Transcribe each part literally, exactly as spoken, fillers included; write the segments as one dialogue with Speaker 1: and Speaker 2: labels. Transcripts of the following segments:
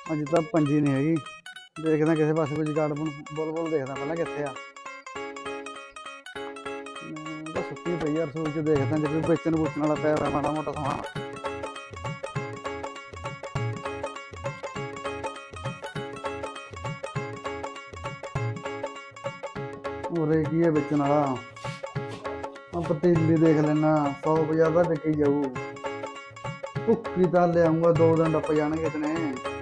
Speaker 1: ਅੱਜ ਤਾਂ ਪੰਜੀ ਨਹੀਂ ਹੈਗੀ। ਦੇਖਦਾ ਕਿਸੇ ਪਾਸੇ ਕੋਈ ਜਗਾੜ ਬੁਲ ਬੁਲ ਦੇਖਦਾ ਪਹਿਲਾਂ ਕਿੱਥੇ ਆ। ਮੈਂ ਤਾਂ ਸੁੱਤੀ ਪਈ ਯਾਰ, ਰਸੋਈ 'ਚ ਦੇਖਦਾ ਜੇ ਕੋਈ ਵੇਚਣ ਵੂਚਣ ਵਾਲਾ ਪਿਆ ਹੋਇਆ ਮਾੜਾ ਮੋਟਾ ਸਮਾਨ। ਉਰੇ ਕੀ ਹੈ ਵੇਚਣ ਵਾਲਾ? ਆ ਪਤੀਲੀ ਦੇਖ ਲੈਣਾ, ਸੌ ਪੰਜਾਹ ਦਾ ਵਿਕੀ ਜਾਊ। ਭੁੱਖੀ ਤਾਂ ਲਿਆਉਂਗਾ, ਦੋ ਦਿਨ ਟੱਪ ਜਾਣਗੇ ਇਤਨੇ।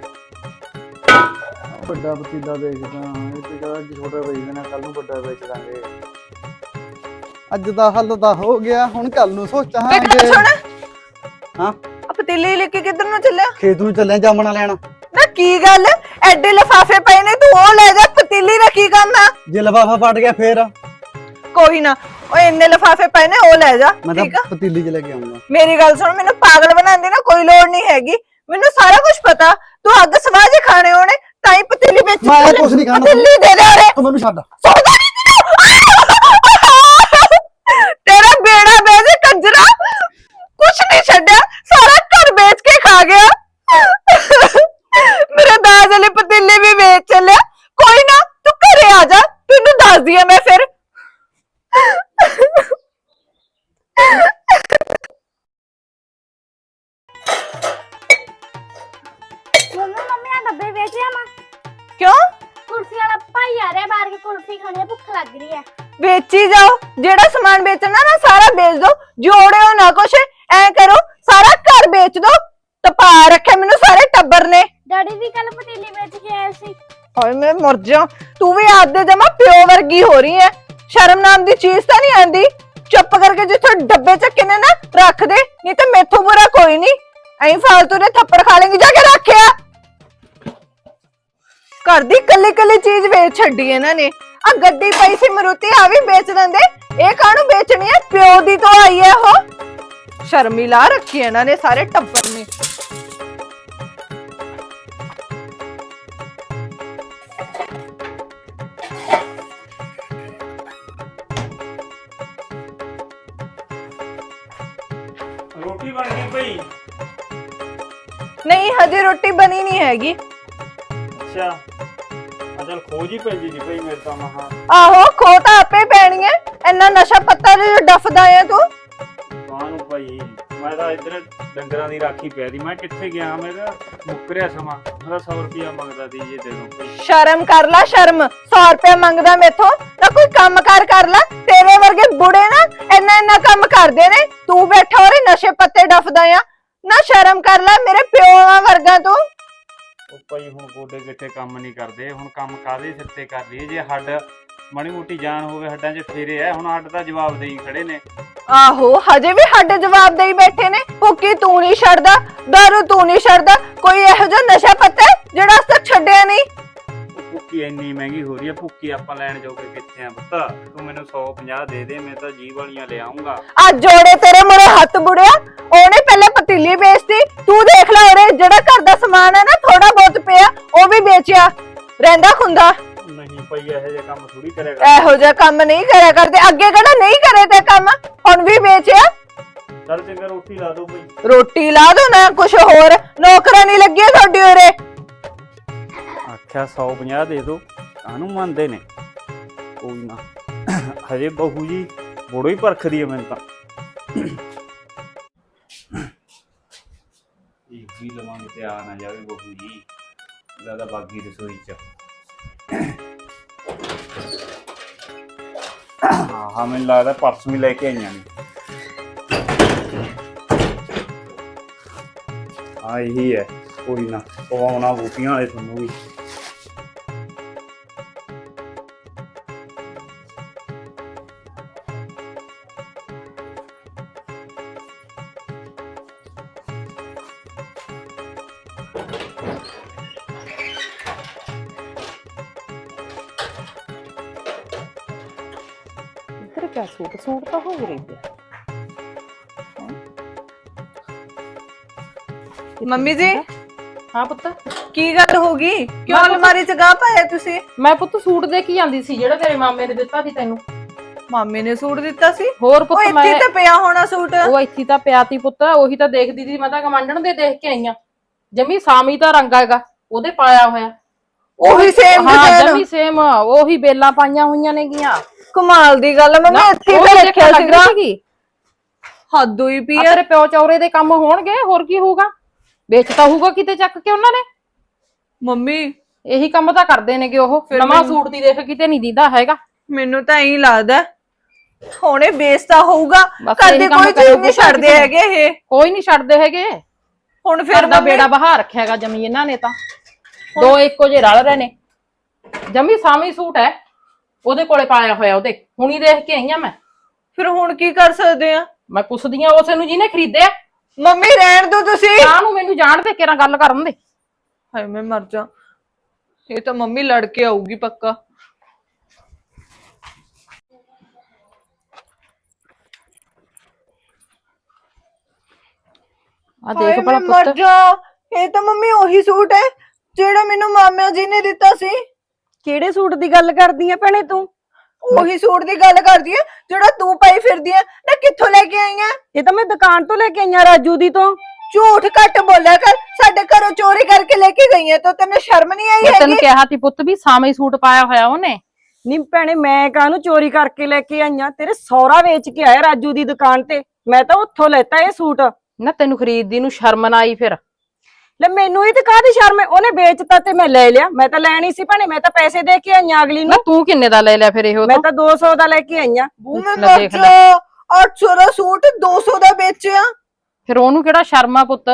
Speaker 1: ਵੱਡਾ ਪਤੀਲਾ ਦੇਖਦਾ, ਇਹ ਤੇ ਅੱਜ ਛੋਟਾ ਵੇਚ ਦੇਣਾ, ਕੱਲ ਨੂੰ ਵੱਡਾ ਵੇਚ ਦਾਂਗੇ। ਅੱਜ ਦਾ ਹੱਲ ਤਾਂ ਹੋ ਗਿਆ, ਹੁਣ ਕੱਲ ਨੂੰ ਸੋਚਾਂਗੇ। ਹਾਂ
Speaker 2: ਪਤੀਲੀ ਲੈ ਕੇ ਕਿੱਧਰ ਨੂੰ ਚੱਲਿਆ?
Speaker 1: ਖੇਤ ਨੂੰ ਚੱਲਿਆ ਜਾਮਣਾ ਲੈਣ।
Speaker 2: ਨਾ ਕੀ ਗੱਲ, ਐਡੇ ਲਿਫਾਫੇ ਪਏ ਨੇ, ਤੂੰ ਉਹ ਲੈ ਜਾ, ਪਤੀਲੀ ਦਾ ਕੀ ਕਰਨਾ?
Speaker 1: ਜੇ ਲਿਫਾਫਾ ਫਟ ਗਿਆ ਫੇਰ?
Speaker 2: ਕੋਈ ਨਾ, ਉਹ ਇੰਨੇ ਲਿਫਾਫੇ ਪਏ ਨੇ, ਉਹ ਲੈ ਜਾ।
Speaker 1: ਮੈਂ ਤਾਂ ਪਤੀਲੀ ਚ ਲੈ ਕੇ ਆਉਂਗਾ।
Speaker 2: ਮੇਰੀ ਗੱਲ ਸੁਣ, ਮੈਨੂੰ ਪਾਗਲ ਬਣਾਉਂਦੀ ਨਾ ਕੋਈ ਲੋੜ ਨਹੀਂ ਹੈਗੀ, ਮੈਨੂੰ ਸਾਰਾ ਕੁਝ ਪਤਾ। ਤੂੰ ਅੱਗ ਸਵਾਜੇ ਖਾਣੇ ਹੋਣੇ ਤਾਂ ਹੀ ਪਤੀਲੀ ਵਿੱਚ।
Speaker 1: ਮੈਂ ਕੁਝ ਨਹੀਂ ਖਾਣਾ,
Speaker 2: ਪਤੀਲੀ ਦੇ ਦੇ ਉਰੇ।
Speaker 1: ਤੂੰ ਮੈਨੂੰ ਛੱਡ।
Speaker 2: ਸੁਣਦਾ ਨਹੀਂ ਤੇਰਾ ਬੇੜਾ ਵੇਚ ਕੰਜਰਾ, ਕੁਛ ਨਹੀਂ ਛੱਡਿਆ, ਸਾਰਾ ਘਰ ਵੇਚ ਕੇ ਖਾ ਗਿਆ। ਮੇਰੇ ਦਾਜ ਵਾਲੀ ਪਤੀਲੀ ਵੀ ਵੇਚ ਚੱਲਿਆ। ਕੋਈ ਨਾ, ਤੂੰ ਘਰੇ ਆ ਜਾ, ਤੈਨੂੰ ਦੱਸਦੀ ਆ ਮੈਂ ਫਿਰ।
Speaker 3: ਮੰਮੀ ਮੰਮੀ ਆ ਡੱਬੇ ਵੇਚ ਆਵਾਂ?
Speaker 2: ਕਿਉਂ?
Speaker 3: ਕੁਲਫੀ ਵਾਲਾ ਭਾਈ ਆ ਰਿਹਾ ਬਾਹਰ, ਕੇ ਕੁਲਫੀ ਖਾਣੀ ਹੈ, ਭੁੱਖ ਲੱਗ ਰਹੀ ਹੈ।
Speaker 2: ਵੇਚੀ ਜਾਓ, ਜਿਹੜਾ ਸਮਾਨ ਵੇਚਣਾ ਨਾ ਸਾਰਾ ਵੇਚ ਦੋ, ਜੋੜਿਓ ਨਾ ਕੁਛ। ਐ ਕਰੋ, ਸਾਰਾ ਘਰ ਵੇਚ ਦੋ। ਤਪਾ ਰੱਖੇ ਮੈਨੂੰ ਸਾਰੇ ਟੱਬਰ ਨੇ।
Speaker 3: ਡੈਡੀ ਵੀ ਕੱਲ ਪਤੀਲੀ ਵੇਚ ਕੇ ਆਏ ਸੀ।
Speaker 2: ਹਾਏ ਮੈਂ ਮਰ ਜਾ, ਤੂੰ ਵੀ ਆਦੇ ਜਮਾ ਪਿਓ ਵਰਗੀ ਹੋ ਰਹੀ ਐ। ਸ਼ਰਮ ਨਾਮ ਦੀ ਚੀਜ਼ ਤਾਂ ਨਹੀਂ ਆਂਦੀ। ਚੁੱਪ ਕਰਕੇ ਜਿੱਥੋਂ ਡੱਬੇ ਚੱਕੇ ਨੇ ਨਾ ਰੱਖ ਦੇ, ਨਹੀਂ ਤੇ ਮੈਥੋਂ ਬੁਰਾ ਕੋਈ ਨਹੀਂ। ਐਂ ਫਾਲਤੂ ਦੇ ਥੱਪੜ ਖਾ ਲੇਂਗੀ, ਜਾ ਕੇ ਰੱਖਿਆ। ਘਰ ਦੀ ਕੱਲੀ ਕੱਲੀ ਚੀਜ਼ ਵੇਚ ਛੱਡੀ ਇਹਨਾਂ ਨੇ। ਆ ਗੱਡੀ ਪਈ ਸੀ ਮਰੂਤੀ, ਆ ਵੀ ਵੇਚ ਦਿੰਦੇ। ਇਹ ਕਾਹਨੂੰ ਵੇਚਣੀ ਐ? ਪਿਓ ਦੀ ਤੋਂ ਆਈ ਐ ਉਹ। ਸ਼ਰਮੀ ਲਾ ਰੱਖੀ ਇਹਨਾਂ ਨੇ ਸਾਰੇ ਟੱਬਰ ਨੇ।
Speaker 4: ਰੋਟੀ ਬਣ ਗਈ ਭਈ?
Speaker 2: ਨਹੀਂ ਹਜੇ ਰੋਟੀ ਬਣੀ ਨਹੀਂ ਹੈਗੀ।
Speaker 4: ਅੱਛਾ, ਅਜਲ ਖੋਜ ਹੀ ਪੈਂਦੀ ਜੀ ਭਈ ਮੇਰੇ ਤਾਂ ਮਹਾ।
Speaker 2: ਆਹੋ, ਖੋ ਤਾਂ ਆਪੇ ਪੈਣੀ ਐ। ਇੰਨਾ ਨਸ਼ਾ ਪੱਤਾ ਜੋ ਡਫਦਾ ਐ ਤੂੰ।
Speaker 4: ਕਾਹਨੂੰ ਭਾਈ, ਮੈਂ ਤਾਂ ਇੱਧਰ ਡੰਗਰਾਂ ਦੀ ਰਾਖੀ ਪੈ ਦੀ। ਮੈਂ ਕਿੱਥੇ ਗਿਆ? ਮੇਰਾ ਮੁੱਕਰਿਆ ਸਮਾਂ। ਮੇਰਾ ਸੌ ਰੁਪਇਆ ਮੰਗਦਾ ਦੀ, ਜੇ ਦੇ ਦੋ ਭਈ।
Speaker 2: ਸ਼ਰਮ ਕਰ ਲੈ, ਸ਼ਰਮ। ਸੌ ਰੁਪਇਆ ਮੰਗਦਾ ਮੇਥੋਂ ਤਾਂ ਕੋਈ ਕੰਮ ਕਾਰ ਕਰ ਲੈ। ਤੇਰੇ ਵਰਗੇ ਬੁੜੇ ਨਾ ਇੰਨਾ ਇੰਨਾ ਕੰਮ ਕਰਦੇ ਨੇ, ਤੂੰ ਬੈਠਾ ਹੋਰੇ ਨਸ਼ੇ ਪੱਤੇ ਡਫਦਾ ਆ। ਨਾ ਸ਼ਰਮ ਕਰ ਲੈ, ਮੇਰੇ ਪਿਓਾਂ ਵਰਗਾ ਤੂੰ।
Speaker 4: ਉਹ ਭਾਈ ਹੁਣ ਗੋਡੇ ਗਿੱਟੇ ਕੰਮ ਨਹੀਂ ਕਰਦੇ। ਹੁਣ ਕੰਮ ਕਾਹਦੇ ਸਿਰ ਤੇ ਕਰ ਲਈਏ? ਜੇ ਹੱਡ ਮਾੜੀ ਮੋਟੀ ਜਾਨ ਹੋਵੇ ਹੱਡਾਂ 'ਚ ਫੇਰੇ ਐ। ਹੁਣ ਹੱਡ ਦਾ ਜਵਾਬ ਦੇਈ ਖੜੇ ਨੇ।
Speaker 2: ਆਹੋ, ਹਜੇ ਵੀ ਸਾਡੇ ਜਵਾਬ ਦੇਈ ਬੈਠੇ ਨੇ। ਭੁੱਕੀ ਤੂੰ ਨਹੀਂ ਛੱਡਦਾ, ਦਾਰੂ ਤੂੰ ਨਹੀਂ ਛੱਡਦਾ। ਕੋਈ ਇਹੋ ਜਿਹਾ ਨਸ਼ਾ ਪੱਤਾ ਜਿਹੜਾ ਅਸ ਤੱਕ ਛੱਡਿਆ ਨਹੀਂ।
Speaker 4: ਭੁੱਕੀ ਇੰਨੀ ਮਹਿੰਗੀ ਹੋ ਰਹੀ ਹੈ, ਭੁੱਕੀ ਆਪਾਂ ਲੈਣ ਜੋਗੇ ਕਿੱਥੇ ਆ ਪੁੱਤ? ਤੂੰ ਮੈਨੂੰ ਸੌ ਪੰਜਾਹ ਦੇ ਦੇ, ਮੈਂ ਤਾਂ ਜੀਭ ਵਾਲੀਆਂ ਲੈ ਆਉਂਗਾ।
Speaker 2: ਆ ਜੋੜੇ ਤੇਰੇ ਮੂਹਰੇ ਹੱਥ ਬੁੜਿਆ। ਉਹਨੇ ਪਹਿਲੇ ਪਤੀਲੀ ਵੇਚਤੀ, ਤੂੰ ਦੇਖ ਲੈ ਉਹਨੇ ਜਿਹੜਾ ਘਰ ਦਾ ਸਮਾਨ ਹੈ ਨਾ ਥੋੜਾ ਬਹੁਤ ਪਿਆ ਉਹ ਵੀ ਵੇਚਿਆ। ਰਹਿੰਦਾ ਖੁੰਦਾ
Speaker 4: ਨਹੀਂ ਭਈ, ਇਹੋ ਜਿਹਾ ਕੰਮ ਥੋੜੀ ਕਰਿਆ ਕਰ।
Speaker 2: ਇਹੋ ਜਿਹਾ ਕੰਮ ਨਹੀਂ ਕਰਿਆ ਕਰਦੇ। ਅੱਗੇ ਕਿਹੜਾ ਨਹੀਂ ਕਰੇ ਤੇ ਕੰਮ, ਹੁਣ ਵੀ ਵੇਚਿਆ।
Speaker 4: ਚੱਲ ਚੰਗਾ, ਰੋਟੀ ਲਾ ਦੋ ਭਈ।
Speaker 2: ਰੋਟੀ ਲਾ ਦੋ ਨਾ, ਕੁਛ ਹੋਰ ਨੌਕਰਾਂ ਨਹੀਂ ਲੱਗੀਆਂ ਤੁਹਾਡੀ ਉਰੇ।
Speaker 4: ਆਖਿਆ ਸੌ ਪੰਜਾਹ ਦੇ ਦੋ, ਕਾਹਨੂੰ ਮੰਨਦੇ ਨੇ? ਕੋਈ ਨਾ, ਹਜੇ ਬਹੂ ਜੀ ਬੜੋ ਹੀ ਪਰਖਦੀ ਹੈ ਮੈਨੂੰ ਤਾਂ। ਇਹ ਵੀ ਲਵਾਂਗੇ ਤੇ ਆ ਨਾ ਜਾਵੇ ਬਹੂ ਜੀ। ਲੱਗਦਾ ਬਾਗੀ ਰਸੋਈ ਚ। ਹਾਂ ਹਾਂ, ਮੈਨੂੰ ਲੱਗਦਾ ਪਰਸ ਵੀ ਲੈ ਕੇ ਆਈਆਂ ਨੇ। ਹਾਂ ਇਹੀ ਹੈ। ਕੋਈ ਨਾ, ਪਵਾਉਣਾ ਬੂਟੀਆਂ ਵਾਲੇ ਤੁਹਾਨੂੰ ਵੀ।
Speaker 2: क्या सूट सूट तो हो रही है। ਮੰਮੀ ਜੀ।
Speaker 5: ਹਾਂ ਪੁੱਤ,
Speaker 2: ਕੀ ਗੱਲ ਹੋ ਗਈ? ਕਿਉਂ ਅਲਮਾਰੀ 'ਚ ਗਾਹ ਪਾਇਆ ਤੁਸੀਂ?
Speaker 5: ਮੈਂ ਪੁੱਤ ਸੂਟ ਦੇ ਕੇ ਆਂਦੀ ਸੀ ਜਿਹੜਾ ਤੇਰੇ ਮਾਮੇ ਨੇ ਦਿੱਤਾ ਸੀ ਤੈਨੂੰ।
Speaker 2: ਮਾਮੇ ਨੇ ਸੂਟ ਦਿੱਤਾ ਸੀ?
Speaker 5: ਹੋਰ ਪੁੱਤ,
Speaker 2: ਮੈਂ ਇੱਥੇ ਤਾਂ ਪਿਆ ਹੋਣਾ ਸੂਟ।
Speaker 5: ਉਹ ਇੱਥੇ ਤਾਂ ਪਿਆ ਤੀ ਪੁੱਤ, ਉਹੀ ਤਾਂ ਦੇਖਦੀ ਸੀ। ਮੈਂ ਤਾਂ ਕਮਾਂਡਣ ਦੇ ਦੇਖ ਕੇ ਆਈਆਂ। ਜਮੀ ਸਾਮੀ ਦਾ ਰੰਗ ਹੈਗਾ, ਉਹਦੇ ਪਾਇਆ ਹੋਇਆ।
Speaker 2: ਉਹੀ ਸੇਮ
Speaker 5: ਹਾਂ
Speaker 2: ਡਿਜ਼ਾਈਨ
Speaker 5: ਜਮੀ ਸੇਮ ਉਹੀ ਬੇਲਾਂ ਪਾਈਆਂ ਹੋਈਆਂ ਨੇਗੀਆਂ।
Speaker 2: ਕਮਾਲ ਦੀ ਗੱਲ ਆ, ਮੰਮੀ
Speaker 5: ਨਾ,
Speaker 2: ਇੱਥੇ
Speaker 5: ਉਹ
Speaker 2: ਤਾਂ
Speaker 5: ਵੀ
Speaker 2: ਰੱਖਿਆ
Speaker 5: ਦੇਖਣ ਲੱਗ
Speaker 2: ਸੀਗਾ।
Speaker 5: ਰਹੀ ਸੀਗੀ।
Speaker 2: ਹੱਦ ਹੋਈ ਪਈ
Speaker 5: ਆ
Speaker 2: ਆ।
Speaker 5: ਤੇਰੇ ਪਿਓ ਚੌਰੇ ਦੇ ਕੰਮ ਹੋਣਗੇ, ਹੋਰ ਕੀ ਹੋਊਗਾ? ਵੇਚਤਾ ਹੋਊਗਾ ਕਿਤੇ ਚੱਕ ਕੇ ਉਹਨਾਂ ਨੇ।
Speaker 2: ਮੰਮੀ
Speaker 5: ਇਹੀ ਕੰਮ ਤਾਂ ਕਰਦੇ ਨੇਗੇ ਉਹ।
Speaker 2: ਫਿਰ
Speaker 5: ਨਵਾਂ
Speaker 2: ਮੈਨੂੰ-
Speaker 5: ਸੂਟ ਦੀ ਦੇਖ ਕਿਤੇ ਨਹੀਂ ਦਿੰਦਾ ਹੈਗਾ।
Speaker 2: ਮੈਨੂੰ ਤਾਂ ਐਂ ਲੱਗਦਾ ਹੁਣੇ ਵੇਚਤਾ ਹੋਊਗਾ।
Speaker 5: ਬਸ
Speaker 2: ਕਰਦੇ
Speaker 5: ਇਹੀ ਕੰਮ
Speaker 2: ਕੋਈ ਚੀਜ਼
Speaker 5: ਕਰੂਗੇ
Speaker 2: ਨਹੀਂ ਛੱਡਦੇ
Speaker 5: ਕਿਸੇ
Speaker 2: ਹੈਗੇ ਇਹ।
Speaker 5: ਕੋਈ ਨਹੀਂ ਛੱਡਦੇ ਹੈਗੇ।
Speaker 2: ਹੁਣ
Speaker 5: ਫਿਰ
Speaker 2: ਫਿਰ
Speaker 5: ਦਾ
Speaker 2: ਮੰਮੀ
Speaker 5: ਬੇੜਾ ਬਹਾ ਰੱਖਿਆ ਹੈਗਾ ਜਮੀ ਇਹਨਾਂ ਨੇ ਤਾਂ। ਦੋ ਇੱਕੋ ਜਿਹੇ ਰਲ ਰਹੇ ਨੇ। ਜਮੀ ਸਾਵੀਂ ਸੂਟ ਹੈ ਉਹਦੇ ਕੋਲੇ ਪਾਇਆ ਹੋਇਆ ਉਹਦੇ। ਹੁਣੀ ਦੇਖ ਕੇ ਆਈ ਆ ਮੈਂ।
Speaker 2: ਫਿਰ ਹੁਣ ਕੀ ਕਰ ਸਕਦੇ ਆ?
Speaker 5: ਮੈਂ ਪੁੱਛਦੀ ਆ ਉਸੇ ਨੂੰ ਜਿਹਨੇ ਖਰੀਦਿਆ।
Speaker 2: ਮੰਮੀ ਰਹਿਣ ਦੋ ਤੁਸੀਂ।
Speaker 5: ਕਾਹ ਨੂੰ ਮੈਨੂੰ ਜਾਣ ਦੇ ਕਿਹੜਾ ਗੱਲ ਕਰਨ ਦੇ।
Speaker 2: ਹਾਏ ਮੈਂ ਮਰ ਜਾ। ਇਹ ਤਾਂ ਮੰਮੀ ਲੜ ਕੇ ਆਊਗੀ ਪੱਕਾ।
Speaker 5: ਆ ਦੇਖ ਭਲਾ
Speaker 2: ਮਰ
Speaker 5: ਪੁੱਤ।
Speaker 2: ਜਾ। ਇਹ ਤਾਂ ਮੰਮੀ ਉਹੀ ਸੂਟ ਹੈ ਜਿਹੜਾ ਮੈਨੂੰ ਮਾਮਾ ਜੀ ਨੇ ਦਿੱਤਾ ਸੀ।
Speaker 6: ਕਿਹੜੇ ਸੂਟ ਦੀ ਗੱਲ ਕਰਦੀ ਆ ਭੈਣੇ ਤੂੰ?
Speaker 2: ਉਹੀ ਸੂਟ ਦੀ ਗੱਲ ਕਰਦੀ ਹੈ ਜਿਹੜਾ ਤੂੰ ਪਾਈ ਫਿਰਦੀ ਹੈ ਨਾ। ਕਿੱਥੋਂ ਲੈ ਕੇ ਆਈ ਹੈ?
Speaker 6: ਇਹ ਤਾਂ ਮੈਂ ਦੁਕਾਨ ਤੋਂ ਲੈ ਕੇ ਆਈਆਂ ਰਾਜੂ ਦੀ ਤੋਂ।
Speaker 2: ਝੂਠ ਘੱਟ ਬੋਲਿਆ ਕਰ। ਸਾਡੇ ਘਰੋਂ ਚੋਰੀ ਕਰਕੇ ਲੈ ਕੇ ਗਈ ਹੈ ਤਾਂ ਤੈਨੂੰ ਸ਼ਰਮ ਨਹੀਂ ਆਈ
Speaker 5: ਮੈਂ
Speaker 2: ਹੈਗੀ?
Speaker 5: ਤੈਨੂੰ ਕਿਹਾ ਸੀ ਪੁੱਤ ਵੀ ਸਾਵੇਂ ਸੂਟ ਪਾਇਆ ਹੋਇਆ ਉਹਨੇ।
Speaker 6: ਨੀ ਭੈਣੇ ਮੈਂ ਕਾਹਨੂੰ ਚੋਰੀ ਕਰਕੇ ਲੈ ਕੇ ਆਈਆਂ? ਤੇਰੇ ਸਹੁਰਾ ਵੇਚ ਕੇ ਆਇਆ ਰਾਜੂ ਦੀ ਦੁਕਾਨ ਤੇ। ਮੈਂ ਤਾਂ ਉੱਥੋਂ ਲੈਤਾ ਇਹ ਸੂਟ।
Speaker 5: ਨਾ ਤੈਨੂੰ ਖਰੀਦਦੀ ਨੂੰ ਸ਼ਰਮ ਨਾ ਆਈ ਫਿਰ?
Speaker 6: ਲੈ ਮੈਨੂੰ ਇਹ ਤੇ ਕਾਹਦੀ ਸ਼ਰਮ ਹੈ? ਉਹਨੇ ਵੇਚਤਾ ਤੇ ਮੈਂ ਲੈ ਲਿਆ। ਮੈਂ ਤਾਂ ਲੈਣੀ ਸੀ ਭੈਣੇ। ਮੈਂ ਤਾਂ ਪੈਸੇ ਦੇ ਕੇ ਆਈਆਂ ਅਗਲੀ
Speaker 5: ਨਾ
Speaker 6: ਨੂੰ।
Speaker 5: ਤੂੰ ਕਿੰਨੇ ਦਾ ਲੈ ਲਿਆ ਫਿਰ ਇਹੋ
Speaker 6: ਮੈਂ
Speaker 5: ਤੋਂ?
Speaker 6: ਤਾਂ ਦੋ ਸੌ ਦਾ ਲੈ ਕੇ ਆਈਆਂ।
Speaker 2: ਬੂ ਮੈਂ
Speaker 5: ਲੈ
Speaker 2: ਮਰ
Speaker 5: ਦੇਖ ਲੈ।
Speaker 2: ਜਾ। ਅੱਠ ਸੌ ਦਾ ਸੂਟ ਦੋ ਸੌ ਦਾ ਵੇਚਿਆ।
Speaker 5: ਫਿਰ ਉਹਨੂੰ ਕਿਹੜਾ ਸ਼ਰਮ ਆ ਪੁੱਤ?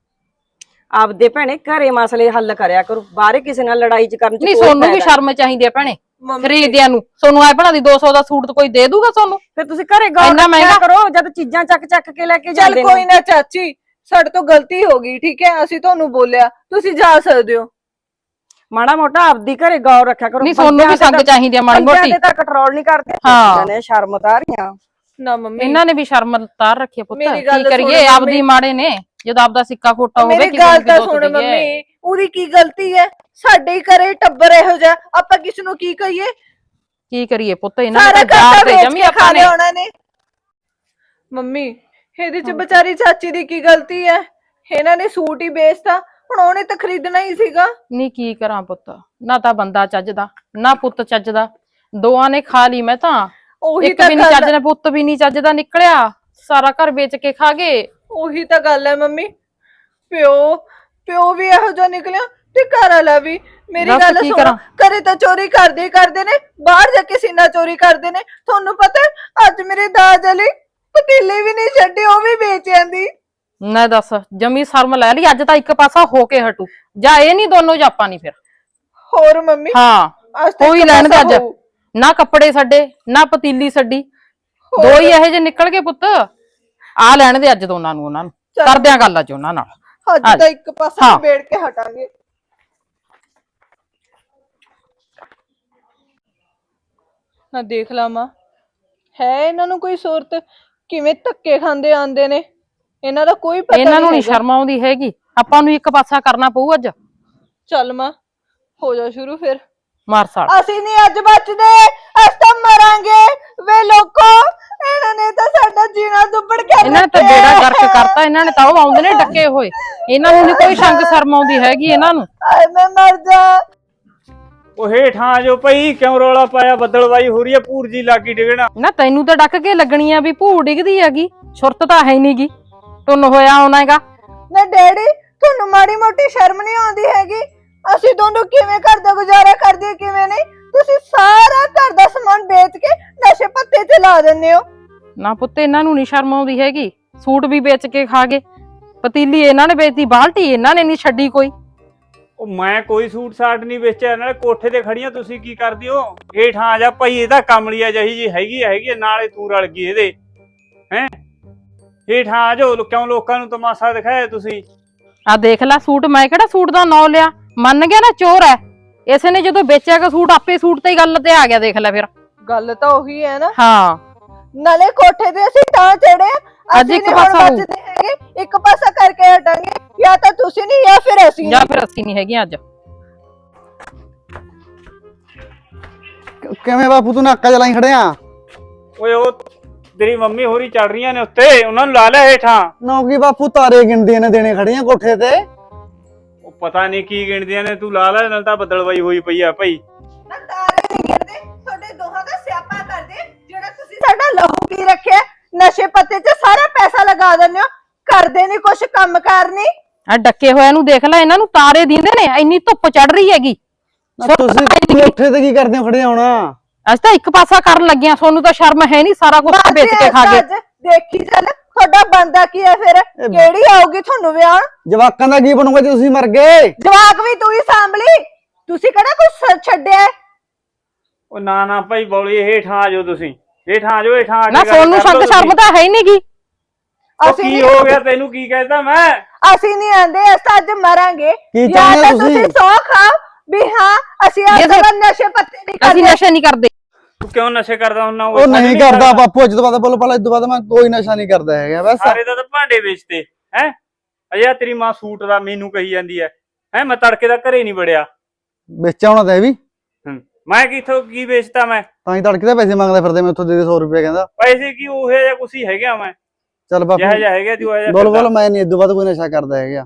Speaker 6: ਆਪਦੇ ਭੈਣੇ ਘਰੇ ਮਸਲੇ ਹੱਲ ਕਰਿਆ ਕਰੋ। ਬਾਹਰੇ ਕਿਸੇ ਨਾਲ ਲੜਾਈ ਚ ਕਰਨ ਚ
Speaker 5: ਨਹੀਂ
Speaker 6: ਕੋਈ
Speaker 5: ਸੋਨੂੰ ਵੀ
Speaker 6: ਫਾਇਦਾ
Speaker 5: ਸ਼ਰਮ ਚਾਹੀਦੀ ਆ ਭੈਣੇ
Speaker 2: ਮੰਮੀ
Speaker 5: ਖਰੀਦਿਆਂ ਨੂੰ। ਸੋਨੂੰ ਆਏ ਭਲਾ ਦੀ ਦੋ ਸੌ ਦਾ ਸੂਟ ਕੋਈ ਦੇ ਦੂਗਾ ਸੋਨੂੰ?
Speaker 6: ਫਿਰ ਤੁਸੀਂ ਘਰੇ ਗੌਰ
Speaker 5: ਇੰਨਾ
Speaker 6: ਰੱਖਿਆ
Speaker 5: ਮਹਿੰਗਾ?
Speaker 6: ਕਰੋ ਜਦ ਚੀਜ਼ਾਂ ਚੱਕ ਚੱਕ ਕੇ ਲੈ ਕੇ
Speaker 2: ਚੱਲ
Speaker 6: ਜਾਂਦੇ
Speaker 2: ਕੋਈ
Speaker 6: ਨੇ।
Speaker 2: ਨਾ ਚਾਚੀ, ਸਾਡੇ ਤੋਂ ਗਲਤੀ ਹੋ ਗਈ ਠੀਕ ਹੈ। ਅਸੀਂ ਤੁਹਾਨੂੰ ਬੋਲਿਆ, ਤੁਸੀਂ ਜਾ ਸਕਦੇ ਹੋ।
Speaker 6: ਮਾੜਾ ਮੋਟਾ ਆਪਦੀ ਘਰੇ ਗੌਰ ਰੱਖਿਆ ਕਰੋ।
Speaker 5: ਨਹੀਂ ਸੋਨੂੰ ਵੀ ਸੰਗ ਚਾਹੀਦੀ ਆ ਮਾੜੀ ਮੋਟੀ।
Speaker 6: ਤੇ ਤਾਂ ਕੰਟਰੋਲ ਨਹੀਂ ਕਰਦੇ।
Speaker 5: ਹਾਂ।
Speaker 6: ਨੇ ਸ਼ਰਮ ਉਤਾਰੀਆਂ।
Speaker 2: ਨਾ ਮੰਮੀ
Speaker 5: ਇਹਨਾਂ ਨੇ ਵੀ ਸ਼ਰਮ ਤਾਰ ਰੱਖੀ ਆ ਪੁੱਤ।
Speaker 2: ਮੇਰੀ
Speaker 5: ਕੀ
Speaker 2: ਗੱਲ ਸੁਣ
Speaker 5: ਕਰੀਏ
Speaker 2: ਮੰਮੀ।
Speaker 5: ਆਪਦੀ ਮਾੜੇ ਨੇ ਜਦੋਂ ਆਪਦਾ ਸਿੱਕਾ ਖੋਟਾ ਹੋਵੇ
Speaker 2: ਮੇਰੀ
Speaker 5: ਕਿਸੇ
Speaker 2: ਗੱਲ
Speaker 5: ਨੂੰ
Speaker 2: ਤਾਂ
Speaker 5: ਕੀ
Speaker 2: ਸੁਣ
Speaker 5: ਦੋਸ਼ ਦਈਏ।
Speaker 2: ਮੰਮੀ, ਉਹਦੀ ਕੀ ਗਲਤੀ ਹੈ? ਸਾਡੇ ਹੀ ਘਰੇ ਟੱਬਰ ਇਹੋ ਜਿਹਾ, ਆਪਾਂ ਕਿਸ ਨੂੰ ਕੀ ਕਹੀਏ?
Speaker 5: ਕੀ ਕਰੀਏ ਪੁੱਤ ਇਹਨਾਂ
Speaker 2: ਸਾਰਾ
Speaker 5: ਨੇ ਤਾਂ
Speaker 2: ਘਰ
Speaker 5: ਜਾਰ ਤੇ
Speaker 2: ਵੇਚ
Speaker 5: ਜਮੀ
Speaker 2: ਕੇ ਖਾ
Speaker 5: ਆਪਾਂ ਨੇ।
Speaker 2: ਲਿਆ ਉਹਨਾਂ ਨੇ। ਮੰਮੀ ਇਹਦੇ ਚ ਵਿਚਾਰੀ ਚਾਚੀ ਦੀ ਕੀ ਗਲਤੀ ਹੈ? ਇਹਨਾਂ ਨੇ ਸੂਟ ਹੀ ਵੇਚਤਾ, ਹੁਣ ਉਹਨੇ ਤਾਂ ਖਰੀਦਣਾ ਹੀ ਸੀਗਾ।
Speaker 5: ਨਹੀਂ ਕੀ ਕਰਾਂ ਪੁੱਤ, ਨਾ ਤਾਂ ਬੰਦਾ ਚੱਜਦਾ ਨਾ ਪੁੱਤ ਚੱਜਦਾ। ਦੋਆਂ ਨੇ ਖਾ ਲਈ ਮੈਂ ਤਾਂ।
Speaker 2: ਉਹੀ
Speaker 5: ਇੱਕ
Speaker 2: ਤਾਂ
Speaker 5: ਵੀ ਨਹੀਂ
Speaker 2: ਗੱਲ
Speaker 5: ਚੱਜ ਨੇ ਪੁੱਤ ਵੀ ਨਹੀਂ ਚੱਜਦਾ ਨਿਕਲਿਆ। ਸਾਰਾ ਘਰ ਵੇਚ ਕੇ ਖਾ ਗਏ।
Speaker 2: ਉਹੀ ਤਾਂ ਗੱਲ ਹੈ ਮੰਮੀ। ਪਿਓ ਪਿਓ ਵੀ ਇਹੋ ਜਿਹਾ ਨਿਕਲਿਆ ਤੇ ਘਰ ਵਾਲਾ ਵੀ। ਮੇਰੀ
Speaker 5: ਦੱਸ
Speaker 2: ਗੱਲ
Speaker 5: ਕੀ
Speaker 2: ਸੁਣੋ,
Speaker 5: ਕਰਾਂ?
Speaker 2: ਘਰੇ ਤਾਂ ਚੋਰੀ ਕਰਦੇ ਹੀ ਕਰਦੇ ਨੇ, ਬਾਹਰ ਜਾ ਕੇ ਸੀਨਾ ਚੋਰੀ ਕਰਦੇ ਨੇ। ਤੁਹਾਨੂੰ ਪਤਾ ਹੈ, ਅੱਜ ਮੇਰੇ ਦਾਜ ਵਾਲੀ ਪਤੀਲੇ ਵੀ ਨਹੀਂ ਛੱਡੇ, ਉਹ ਵੀ ਵੇਚ ਆਂਦੀ।
Speaker 5: ਨਾ ਦੱਸ ਜਮੀ ਸ਼ਰਮ ਲੈ ਲਈ। ਅੱਜ ਤਾਂ ਇੱਕ ਪਾਸਾ ਹੋ ਕੇ ਹਟੂ ਜਾਂ ਇਹ ਨਹੀਂ ਦੋਨੋਂ ਜਾਪਾਂ ਨਹੀਂ ਫਿਰ।
Speaker 2: ਹੋਰ ਮੰਮੀ
Speaker 5: ਹਾਂ
Speaker 2: ਅੱਜ ਤਾਂ
Speaker 5: ਕੋਈ
Speaker 2: ਇੱਕ
Speaker 5: ਲੈਣ ਦੇ ਅੱਜ।
Speaker 2: ਪਾਸਾ ਹੋਊ।
Speaker 5: ਨਾ ਕੱਪੜੇ ਛੱਡੇ ਨਾ ਪਤੀਲੀ ਛੱਡੀ। ਦੋ ਹੀ ਇਹੋ ਜਿਹੇ ਨਿਕਲ ਗਏ ਪੁੱਤ। ਆ ਲੈਣ ਦੇ ਅੱਜ ਦੋਨਾਂ ਨੂੰ ਉਹਨਾਂ ਨੂੰ।
Speaker 2: ਚੱਲ।
Speaker 5: ਕਰਦੇ ਆ ਗੱਲ ਅੱਜ ਉਹਨਾਂ ਨਾਲ।
Speaker 2: ਅੱਜ ਤਾਂ ਇੱਕ ਪਾਸਾ
Speaker 5: ਹਾਂ।
Speaker 2: ਨਿਬੇੜ ਕੇ ਹਟਾਂਗੇ। ਨਾ ਦੇਖ ਲਾਵਾਂ ਹੈ ਇਹਨਾਂ ਨੂੰ ਕੋਈ ਸੂਰਤ, ਕਿਵੇਂ ਧੱਕੇ ਖਾਂਦੇ ਆਂਦੇ ਨੇ। ਇਹਨਾਂ ਦਾ ਕੋਈ ਪਤਾ
Speaker 5: ਇਹਨਾਂ ਨੂੰ ਨਹੀਂ
Speaker 2: ਹੈਗਾ।
Speaker 5: ਸ਼ਰਮ ਆਉਂਦੀ ਹੈਗੀ। ਆਪਾਂ ਨੂੰ ਇੱਕ ਪਾਸਾ ਕਰਨਾ ਪਊ ਅੱਜ।
Speaker 2: ਚੱਲ ਮਾਂ ਹੋ ਜਾ ਸ਼ੁਰੂ ਫਿਰ।
Speaker 5: ਮਾਰ ਸਾਲ
Speaker 2: ਅਸੀਂ ਨਹੀਂ ਅੱਜ ਬਚਦੇ, ਅਸੀਂ ਤਾਂ ਮਰਾਂਗੇ। ਵੇ ਲੋਕੋ, ਇਹਨਾਂ ਨੇ ਤਾਂ ਸਾਡਾ ਜੀਣਾ ਦੁੱਬੜ ਕੇ
Speaker 5: ਇਹਨਾਂ ਨੇ ਤਾਂ ਬੇੜਾ ਗਰਕ ਕਰਤਾ। ਇਹਨਾਂ ਨੇ ਤਾਂ ਉਹ ਆਉਂਦੇ ਨੇ ਡੱਕੇ ਹੋਏ। ਇਹਨਾਂ ਨੂੰ ਨੀ ਕੋਈ ਸ਼ੰਕ ਸ਼ਰਮ ਆਉਂਦੀ ਹੈਗੀ ਇਹਨਾਂ ਨੂੰ।
Speaker 2: ਆਏ ਮੈਂ ਮਰ ਜਾ।
Speaker 4: ਉਹ ਹੇਠਾਂ ਆ ਜੋ ਭਾਈ, ਕਿਉਂ ਰੌਲਾ ਪਾਇਆ? ਬੱਦਲਵਾਈ ਹੋ ਰਹੀ ਹੈ, ਭੂਰ ਜੀ ਲਾਗੀ ਡਿਗਣਾ।
Speaker 5: ਨਾ ਤੈਨੂੰ ਤਾਂ ਡੱਕ ਕੇ ਲੱਗਣੀ ਆ ਵੀ ਭੂ ਡਿੱਗਦੀ ਹੈਗੀ। ਸੁਰਤ ਤਾਂ ਹੈ ਨਹੀਂਗੀ। ਟੁੰਨ ਹੋਇਆ ਆਉਣਾ ਹੈਗਾ।
Speaker 2: ਨਾ ਡੈਡੀ, ਤੁਹਾਨੂੰ ਮਾੜੀ ਮੋਟੀ ਸ਼ਰਮ ਨਹੀਂ ਆਉਂਦੀ ਹੈਗੀ? ਅਸੀਂ ਦੋਨੋਂ ਕਿਵੇਂ ਘਰ ਦਾ ਗੁਜ਼ਾਰਾ ਕਰਦੇ, ਕਿਵੇਂ ਨਹੀਂ? ਤੁਸੀਂ ਸਾਰਾ ਘਰ ਦਾ ਸਮਾਨ ਵੇਚ ਕੇ ਨਸ਼ੇ ਪੱਤੇ ਤੇ ਲਾ ਦਿੰਦੇ ਹੋ।
Speaker 5: ਨਾ ਪੁੱਤ ਇਹਨਾਂ ਨੂੰ ਨੀ ਸ਼ਰਮ ਆਉਂਦੀ ਹੈਗੀ। ਸੂਟ ਵੀ ਵੇਚ ਕੇ ਖਾ ਗਏ। ਪਤੀਲੀ ਇਹਨਾਂ ਨੇ ਵੇਚਦੀ, ਬਾਲਟੀ ਇਹਨਾਂ ਨੇ ਨਹੀਂ ਛੱਡੀ ਕੋਈ।
Speaker 4: ਉਹ ਮੈਂ ਕੋਈ ਸੂਟ ਸਾਟ ਨਹੀਂ ਵੇਚਿਆ। ਨਾਲੇ ਕੋਠੇ ਤੇ ਖੜੀਆਂ ਤੁਸੀਂ ਕੀ ਕਰਦੀ ਹੋ? ਹੇਠਾਂ ਆ ਜਾ ਭਾਈ, ਇਹਦਾ ਕਮਲੀਆ ਜਿਹੀ ਜੀ ਹੈਗੀ ਹੈਗੀ ਨਾਲੇ ਤੂੰ ਰਲ ਗਈ ਇਹਦੇ। ਹੈ ਹੇਠਾਂ ਆ ਜਾਓ। ਕਿਉਂ ਲੋਕਾਂ ਨੂੰ ਤਮਾਸ਼ਾ ਦਿਖਾਇਆ ਤੁਸੀਂ?
Speaker 5: ਆ ਦੇਖ ਲੈ ਸੂਟ। ਮੈਂ ਕਿਹੜਾ ਸੂਟ ਦਾ ਨਾਂ ਲਿਆ? ਮੰਨ ਗਿਆ ਨਾ ਚੋਰ ਹੈ। ਇਸੇ ਨੇ ਜਦੋਂ ਵੇਚਿਆ ਕਿ ਸੂਟ ਆਪੇ ਸੂਟ ਤੇ ਹੀ ਗੱਲ ਤੇ ਆ ਗਿਆ। ਦੇਖ ਲੈ ਫਿਰ।
Speaker 2: ਗੱਲ ਤਾਂ ਉਹੀ ਹੈ ਨਾ।
Speaker 5: ਹਾਂ
Speaker 2: ਨਾਲੇ ਕੋਠੇ ਤੇ ਅਸੀਂ ਤਾਂ ਚੜੇ,
Speaker 5: ਅੱਜ ਇੱਕ ਪਾਸਾ ਹੋਊ।
Speaker 2: ਹੈਗੇ ਇੱਕ ਪਾਸਾ ਕਰਕੇ ਹਟਾਂਗੇ। ਜਾਂ ਤਾਂ ਤੁਸੀਂ ਨਹੀਂ ਜਾਂ ਫਿਰ ਅਸੀਂ।
Speaker 5: ਜਾਂ ਫਿਰ ਅਸੀਂ ਨਹੀਂ ਹੈਗੇ ਅੱਜ।
Speaker 1: ਕਿਵੇਂ ਬਾਪੂ ਤੂੰ ਨਾਕਾ ਚਲਾਈ ਖੜਿਆ?
Speaker 4: ਓਏ ਉਹ ਤੇਰੀ ਮੰਮੀ ਹੋਰੀ ਚੜ ਰਹੀਆਂ ਨੇ ਉੱਤੇ, ਉਹਨਾਂ ਨੂੰ ਲਾ ਲੈ ਹੇਠਾਂ।
Speaker 1: ਨੌਕੀ ਬਾਪੂ ਤਾਰੇ ਗਿਣਦੇ ਨੇ ਦੇਣੇ ਖੜੀਆਂ ਕੋਠੇ ਤੇ।
Speaker 4: ਉਹ ਪਤਾ ਨਹੀਂ ਕੀ ਗਿਣਦੀਆਂ ਨੇ, ਤੂੰ ਲਾ ਲੈ ਨਾਲ ਤਾਂ ਬੱਦਲਵਾਈ ਹੋਈ ਪਈ ਆ ਭਾਈ।
Speaker 2: ਨਾ ਤਾਰੇ ਨਹੀਂ ਗਿਣਦੇ, ਤੁਹਾਡੇ ਦੋਹਾਂ ਦਾ ਸਿਆਪਾ ਕਰਦੇ ਜਿਹੜਾ ਤੁਸੀਂ ਸਾਡਾ ਲਹੂ ਪੀ ਰੱਖਿਆ। ਨਸ਼ੇ ਪੱਤੇ 'ਚ ਸਾਰਾ ਪੈਸਾ ਲਗਾ ਦਿੰਦੇ ਹੋ, ਕਰਦੇ ਨਹੀਂ ਕੁਛ ਕੰਮ ਕਾਰ ਨਹੀਂ।
Speaker 5: ਆ ਡੱਕੇ ਹੋਇਆਂ ਨੂੰ ਦੇਖ ਲੈ, ਇਹਨਾਂ ਨੂੰ ਤਾਰੇ ਦਿੰਦੇ ਨੇ, ਇੰਨੀ ਧੁੱਪ ਚੜ ਰਹੀ ਹੈਗੀ।
Speaker 1: ਨਾ ਤੁਸੀਂ ਕੋਠੇ ਤੇ ਕੀ ਕਰਦੇ ਹੋ ਖੜੇ ਹੋਣਾ?
Speaker 5: ਅਸੀਂ ਤਾਂ ਇੱਕ ਪਾਸਾ ਕਰਨ ਲੱਗਿਆ, ਤੁਹਾਨੂੰ ਤਾਂ ਸ਼ਰਮ ਹੈ ਨਹੀਂ, ਸਾਰਾ ਕੁਝ ਵੇਚ ਕੇ ਖਾ ਗਏ।
Speaker 2: ਦੇਖੀ ਚੱਲ ਤੁਹਾਡਾ ਬੰਦਾ ਕੀ ਹੈ ਫਿਰ, ਕਿਹੜੀ ਆਊਗੀ ਤੁਹਾਨੂੰ ਵਿਆਹ?
Speaker 1: ਜਵਾਕਾਂ ਦਾ ਕੀ ਬਣੂਗਾ ਜੇ ਤੁਸੀਂ ਮਰ ਗਏ?
Speaker 2: ਜਵਾਕ ਵੀ ਤੂੰ ਹੀ ਸਾਂਭ ਲਈ, ਤੁਸੀਂ ਕਿਹੜਾ ਕੁਛ ਛੱਡਿਆ?
Speaker 4: ਉਹ ਨਾ ਨਾ ਭਾਈ ਬੌਲੀ, ਹੇਠਾਂ ਆ ਜਾਓ ਤੁਸੀਂ, ਹੇਠਾਂ ਆ ਜਾਓ, ਹੇਠਾਂ ਆ
Speaker 5: ਨਾ
Speaker 4: ਕੇ ਗੱਲ
Speaker 5: ਸੋਨੂੰ
Speaker 4: ਕਰ
Speaker 5: ਸੰਗ
Speaker 4: ਲਓ
Speaker 5: ਸ਼ਰਮ
Speaker 4: ਤੁਸੀਂ।
Speaker 5: ਤਾਂ ਹੈ ਹੀ ਨਹੀਂਗੀ।
Speaker 4: ਉਹ
Speaker 2: ਅਸੀਂ
Speaker 4: ਕੀ
Speaker 2: ਨਹੀਂ
Speaker 4: ਹੋ ਗਿਆ ਤੈਨੂੰ, ਕੀ ਕਹਿਤਾ ਮੈਂ?
Speaker 2: ਅਸੀਂ ਨਹੀਂ ਆਂਦੇ, ਅਸੀਂ ਅੱਜ ਮਰਾਂਗੇ।
Speaker 1: ਕੀ
Speaker 2: ਜਾਂ
Speaker 1: ਚਾਹੁੰਦੇ
Speaker 2: ਤਾਂ
Speaker 1: ਹੋ ਤੁਸੀਂ?
Speaker 2: ਤੁਸੀਂ ਸੌ ਖਾਓ ਵੀ ਹਾਂ ਅਸੀਂ ਅੱਜ
Speaker 5: ਇਹ
Speaker 2: ਤੋਂ ਬਾਅਦ ਨਸ਼ੇ ਪੱਤੇ ਨਹੀਂ
Speaker 5: ਅਸੀਂ
Speaker 2: ਕਰਦੇ।
Speaker 5: ਨਸ਼ੇ ਨਹੀਂ ਕਰਦੇ।
Speaker 4: ਤੂੰ ਕਿਉਂ ਨਸ਼ੇ ਕਰਦਾ ਹੁੰਨਾ?
Speaker 1: ਉਹ ਨਹੀਂ ਕਰਦਾ ਬਾਪੂ, ਅੱਜ ਤੋਂ ਬਾਅਦ ਬੋਲ ਪਹਿਲਾਂ, ਇਸ ਤੋਂ ਬਾਅਦ ਮੈਂ ਕੋਈ ਨਸ਼ਾ ਨਹੀਂ ਕਰਦਾ ਹੈਗਾ ਬਸ।
Speaker 4: ਸਾਰੇ ਦਾ ਤਾਂ ਭਾਂਡੇ ਵੇਚਦੇ ਹੈ। ਅਜੇ ਤੇਰੀ ਮਾਂ ਸੂਟ ਦਾ ਮੈਨੂੰ ਕਹੀ ਜਾਂਦੀ ਹੈ ਹੈ ਮੈਂ ਤੜਕੇ ਦਾ ਘਰੇ ਨਹੀਂ ਵੜਿਆ।
Speaker 1: ਵੇਚਿਆ ਹੋਣਾ ਤਾਂ ਇਹ ਵੀ,
Speaker 4: ਹੂੰ, ਮੈਂ ਕਿਥੋਂ ਕੀ ਵੇਚਤਾ? ਮੈਂ
Speaker 1: ਤਾਂ ਹੀ ਤੜਕੇ ਦੇ ਪੈਸੇ ਮੰਗਦਾ ਫਿਰਦੇ, ਮੈਂ ਉੱਥੋਂ ਦੇ ਦੇ ਸੌ ਰੁਪਏ ਕਹਿੰਦਾ।
Speaker 4: ਪੈਸੇ ਕੀ ਉਹ ਜਿਹਾ ਕੁਛ ਹੀ ਹੈਗਾ, ਮੈਂ
Speaker 1: ਚੱਲ ਬਾਪੂ
Speaker 4: ਜਿਹਾ ਜਿਹਾ ਹੈਗਾ ਤੂੰ ਆ
Speaker 1: ਬੋਲ ਬੋਲ, ਮੈਂ ਨਹੀਂ ਇਸ ਤੋਂ ਬਾਅਦ ਕੋਈ ਨਸ਼ਾ ਕਰਦਾ ਹੈਗਾ।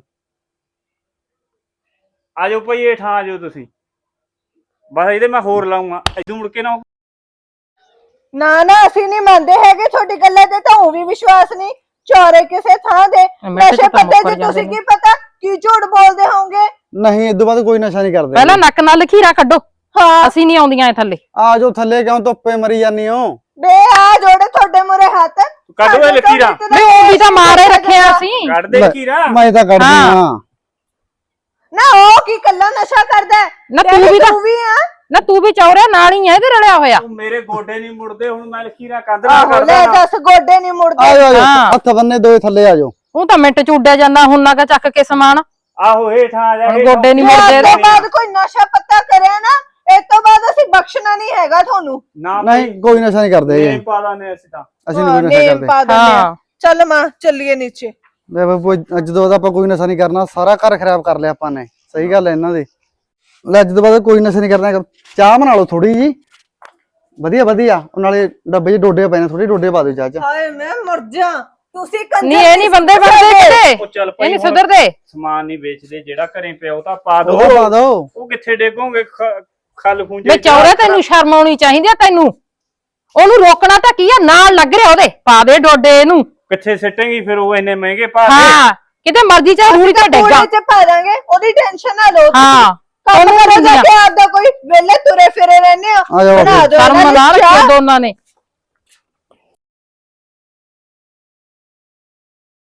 Speaker 4: ਆ ਜਾਓ ਭਾਈ, ਹੇਠਾਂ ਆ ਜਾਓ ਤੁਸੀਂ, ਬਸ ਇਹਦੇ ਮੈਂ ਹੋਰ ਲਾਉਂਗਾ, ਇਦੋਂ ਮੁੜ ਕੇ ਨਾ।
Speaker 2: ਨਾ ਨਾ ਅਸੀਂ ਨਹੀਂ ਮੰਨਦੇ ਹੈਗੇ ਤੁਹਾਡੀ ਗੱਲਾਂ ਤੇ, ਤਾਂ ਉਹ ਵੀ ਵਿਸ਼ਵਾਸ ਨਹੀਂ। ਚੋਰੇ ਕਿਸੇ ਥਾਂ ਦੇ
Speaker 5: ਮੈਂ ਤਾਂ
Speaker 2: ਨਸ਼ੇ
Speaker 5: ਤਾਂ
Speaker 2: ਪੱਤੇ
Speaker 5: ਮੁੱਕਰ
Speaker 2: 'ਚ
Speaker 5: ਜਾਂਦੇ
Speaker 2: ਤੁਸੀਂ
Speaker 5: ਨੇ।
Speaker 2: ਕੀ ਪਤਾ ਕੀ ਝੂਠ ਬੋਲਦੇ ਹੋਵੋਗੇ।
Speaker 1: ਨਹੀਂ ਇਸ ਤੋਂ ਬਾਅਦ ਕੋਈ ਨਸ਼ਾ ਨਹੀਂ ਕਰਦੇ।
Speaker 5: ਪਹਿਲਾਂ ਨੱਕ ਨਾਲ ਲਖੀਰਾ ਕੱਢੋ,
Speaker 2: ਹਾਂ
Speaker 5: ਅਸੀਂ ਨਹੀਂ ਆਉਂਦੀਆਂ ਇਹ ਥੱਲੇ।
Speaker 1: ਆ ਜਾਓ ਥੱਲੇ, ਕਿਉਂ ਧੁੱਪੇ ਮਰੀ ਜਾਂਦੀ ਹੋ?
Speaker 2: ਬੇ ਆ ਜੋੜੇ ਤੁਹਾਡੇ ਮੂਰੇ ਹੱਥ।
Speaker 4: ਕੱਢ ਓਏ ਲਕੀਰਾਂ।
Speaker 5: ਨਹੀਂ ਉਹ ਵੀ ਤਾਂ ਮਾਰੇ ਰੱਖਿਆ ਅਸੀਂ।
Speaker 4: ਕੱਢ ਦੇ ਲਕੀਰਾਂ।
Speaker 1: ਮੈਂ ਤਾਂ ਕੱਢਦੀ
Speaker 5: ਹਾਂ।
Speaker 1: ਹਾਂ।
Speaker 2: ਨਾ ਉਹ ਕੀ ਕੱਲਾ ਨਸ਼ਾ ਕਰਦਾ ਹੈ?
Speaker 5: ਨਾ ਤੂੰ ਵੀ ਤਾਂ
Speaker 2: ਤੂੰ ਵੀ ਆ।
Speaker 5: ਨਾ ਤੂੰ ਵੀ ਚੌਰਿਆ ਨਾਲ ਹੀ ਆ ਇਹਦੇ ਰਲਿਆ ਹੋਇਆ।
Speaker 4: ਤੂੰ ਮੇਰੇ ਗੋਡੇ ਨਹੀਂ ਮੁੜਦੇ, ਹੁਣ ਮੈਂ ਲਕੀਰਾਂ ਕੱਢ ਨਾ
Speaker 2: ਆਹੋ ਲੈ
Speaker 4: ਕਰਦਾ।
Speaker 2: ਦੱਸ, ਗੋਡੇ ਨਹੀਂ
Speaker 1: ਆ
Speaker 2: ਮੁੜਦੇ।
Speaker 1: ਜਾਓ ਆ ਜਾਓ,
Speaker 5: ਹਾਂ।
Speaker 1: ਹੱਥ ਬੰਨੇ ਦੋਏ ਥੱਲੇ ਆ ਜਾਓ।
Speaker 5: ਉਹ ਤਾਂ ਮਿੰਟ ਚ ਉੱਡਿਆ ਜਾਂਦਾ, ਹੁਣ ਨਾ ਚੱਕ ਕੇ ਸਮਾਨ।
Speaker 4: ਆਹੋ ਹੇਠਾਂ ਆ ਜਾ।
Speaker 5: ਹੁਣ
Speaker 4: ਹੇਠਾਂ।
Speaker 5: ਗੋਡੇ ਨੀ
Speaker 2: ਜੇ
Speaker 5: ਮੁੜਦੇ
Speaker 2: ਅੱਜ ਤੋਂ
Speaker 5: ਇਹਦੇ।
Speaker 2: ਬਾਅਦ ਕੋਈ ਨਸ਼ਾ ਪੱਤਾ ਕਰਿਆ ਨਾ, ਇਸ ਤੋਂ ਬਾਅਦ ਅਸੀਂ ਬਖਸ਼ਣਾ ਨਹੀਂ ਹੈਗਾ ਤੁਹਾਨੂੰ।
Speaker 4: ਨਾ
Speaker 1: ਨਹੀਂ ਕੋਈ ਨਸ਼ਾ ਨਹੀਂ ਕਰਦੇ
Speaker 4: ਨਹੀਂ
Speaker 1: ਹੈਗੇ।
Speaker 4: ਪਾਦਾ ਨੇ ਅਸੀਂ ਤਾਂ।
Speaker 1: ਅਸੀਂ ਨਹੀਂ ਕੋਈ ਨਸ਼ਾ
Speaker 2: ਨੇਮ
Speaker 1: ਕਰਦੇ।
Speaker 2: ਪਾ ਦਿੰਦੇ ਆ।
Speaker 5: ਹਾਂ
Speaker 2: ਚੱਲ ਮਾਂ ਚੱਲੀਏ ਨੀਚੇ।
Speaker 1: ਲੈ ਬਾਪੂ, ਅੱਜ ਤੋਂ ਬਾਅਦ ਆਪਾਂ ਕੋਈ ਨਸ਼ਾ ਨਹੀਂ ਕਰਨਾ, ਸਾਰਾ ਘਰ ਖਰਾਬ ਕਰ ਲਿਆ ਆਪਾਂ ਨੇ। ਸਹੀ ਗੱਲ ਹੈ ਇਹਨਾਂ ਦੀ। ਲੈ ਅੱਜ ਤੋਂ ਬਾਅਦ ਕੋਈ ਨਸ਼ਾ ਨਹੀਂ ਕਰਨਾ। ਚਾਹ ਬਣਾ ਲਓ ਥੋੜੀ ਜੀ, ਵਧੀਆ ਵਧੀਆ, ਉਹ ਨਾਲੇ ਡੱਬੇ 'ਚ ਡੋਡੇ ਪਏ ਨੇ, ਥੋੜੀ ਡੋਡੇ ਪਾ ਦਿਓ ਚਾਹ 'ਚ।
Speaker 2: ਹਾਏ ਮੈਂ ਮਰ ਜਾ, ਤੁਸੀਂ ਕੰਜਰ
Speaker 5: ਨਹੀਂ ਇਹ ਨਹੀਂ ਬੰਦੇ ਬਣਦੇ ਕਿਤੇ,
Speaker 4: ਉਹ ਚੱਲ
Speaker 5: ਇਹ
Speaker 4: ਭਾਈ
Speaker 5: ਨਹੀਂ
Speaker 4: ਹੁਣ
Speaker 5: ਸੁਧਰਦੇ।
Speaker 4: ਸਮਾਨ ਨਹੀਂ ਵੇਚਦੇ, ਜਿਹੜਾ ਘਰੇ ਪਿਆ ਉਹ ਤਾਂ ਪਾ ਦੋ।
Speaker 1: ਉਹ ਪਾ ਦਿਓ।
Speaker 4: ਉਹ ਕਿੱਥੇ ਡੇਗੋਗੇ? ਖਲ ਖੂੰਜੇ
Speaker 5: ਵੇ ਚੌਰੇ ਤੈਨੂੰ ਸ਼ਰਮ ਆਉਣੀ ਚਾਹੀਦੀ ਆ ਤੈਨੂੰ। ਉਹਨੂੰ ਰੋਕਣਾ ਤਾਂ ਕੀ ਆ, ਨਾਲ ਲੱਗ ਰਿਹਾ ਉਹਦੇ, ਪਾ ਦੇ ਡੋਡੇ ਇਹਨੂੰ।
Speaker 4: ਕਿੱਥੇ ਸਿੱਟੇਂਗੀ ਫਿਰ? ਉਹ ਇੰਨੇ ਮਹਿੰਗੇ ਪਾ ਦੇ।
Speaker 5: ਹਾਂ ਕਿਤੇ ਮਰਜ਼ੀ ਚਾਹੇ ਰੂੜੀ ਤੇ ਡੇਗਾ।
Speaker 2: ਪੂਰੇ ਚ ਪਾ ਦਾਂਗੇ, ਉਹਦੀ ਟੈਨਸ਼ਨ ਨਾ ਲਓ।
Speaker 5: ਹਾਂ
Speaker 2: ਕੰਮ ਕਰੋ ਜਾ ਕੇ, ਆਪਦਾ ਕੋਈ ਵੇਲੇ ਤੁਰੇ ਫਿਰੇ ਰਹਿੰਦੇ ਹੋ।
Speaker 1: ਆ ਜਾਓ
Speaker 2: ਬਣਾ ਦਿਓ
Speaker 5: ਸ਼ਰਮ
Speaker 2: ਇਹਨਾਂ ਦੀ
Speaker 5: ਲਾ ਰੱਖਿਆ
Speaker 2: ਚਾਹ।
Speaker 5: ਦੋਨਾਂ ਨੇ।